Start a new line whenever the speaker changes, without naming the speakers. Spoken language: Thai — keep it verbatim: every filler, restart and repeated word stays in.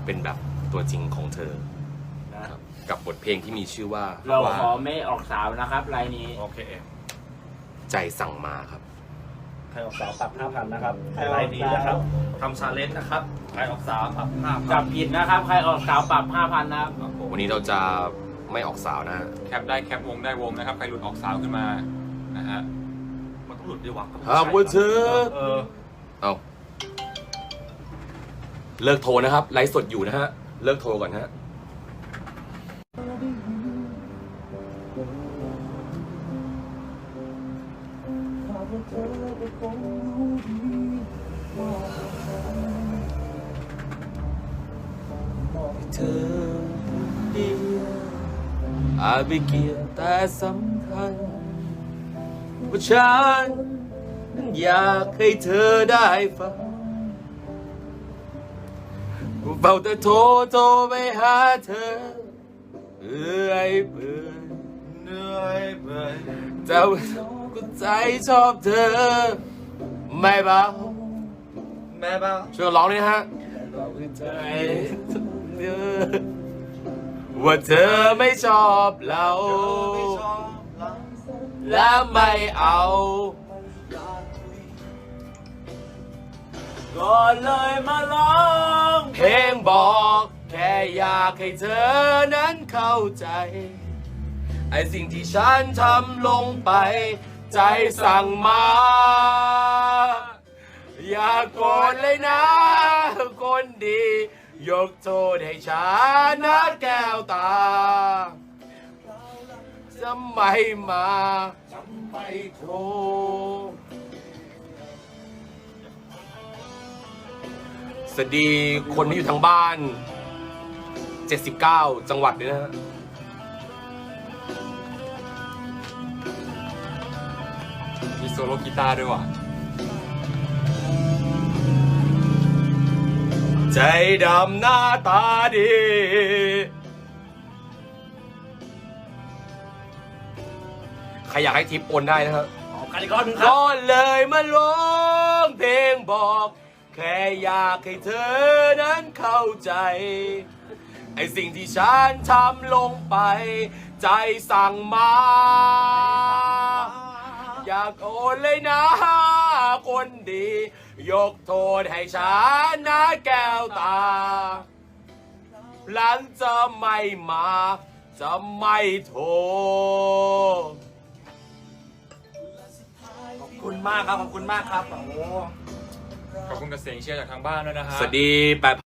เป็นแบบตัวจริงของเธอนะครับกับบทเพลงที่มีชื่อว่า
เราขอไม่ออกสาวนะครับรายนี้
โอเค
ใจสั่งมาครับ
ใครออกสาวปรับห้าพันนะครับไลน์นี้นะครับทำชาเลนจ์นะครับใครออกสาวปรับห้าพั
จั
น
บผิดนะครับใครออกสาวปรับห้าพันนะครับ
วันนี้เราจะไม่ออกสาวนะฮะ
แคปได้แคปวงได้วงนะครับใครหลุดออกสาวขึ้นมานะฮะ
มันต้องหลุดด้วยวะ
หากว่าเธอ
เออ
เอาเลิกโทรนะครับไลฟ์สดอยู่นะฮะเลิกโทรก่อนฮะเธอเดียวอาจไม่เกี่ยวแต่สำคัญว่าฉันอยากให้เธอได้ฟังเฝ้าแต่โทรโทรไปหาเธอเอื่อยเปื่อยเหนื่อยเปื่อยแต่ก็ใจชอบเธอไม่เบา
แม่บ้า
ช่วยร้องด้วยนะฮะใจว่าเธอไม่ชอบเรา และไม่เอา
ก็เลยมาร้อง
เพลงบอกแค่อยากให้เธอนั้นเข้าใจไอ้สิ่งที่ฉันทำลงไปใจสั่งมา อย่าโกรธเลยนะคนดี ยกโทษให้ฉันนะแก้วตาจะไม่มาจะไม่โทรสวัสดีคนที่อยู่ทางบ้านเจ็ดสิบเก้าจังหวัดด้วยนะฮะ
มีโซโล่กีตาร์ด้วยว่ะ
ใจดำหน้าตาดีใครอยากให้ทิปโอนได้นะครับ
ออกกันอีกรอบหนึงครับ
ก็เลยมาร้องเพลงบอกแค่อยากให้เธอนั้นเข้าใจไอสิ่งที่ฉันทำลงไปใจสั่งมา อยากโอนเลยนะคนดี ยกโทษให้ฉันนะแก้วตา หลังจะไม่มาจะไม่โทร
ขอบคุณมากครับขอบคุณมากครับโอ้
ขอบคุณกับเสียงเชียร์จากทางบ้านด้วยนะฮะ
สวัสดีแปด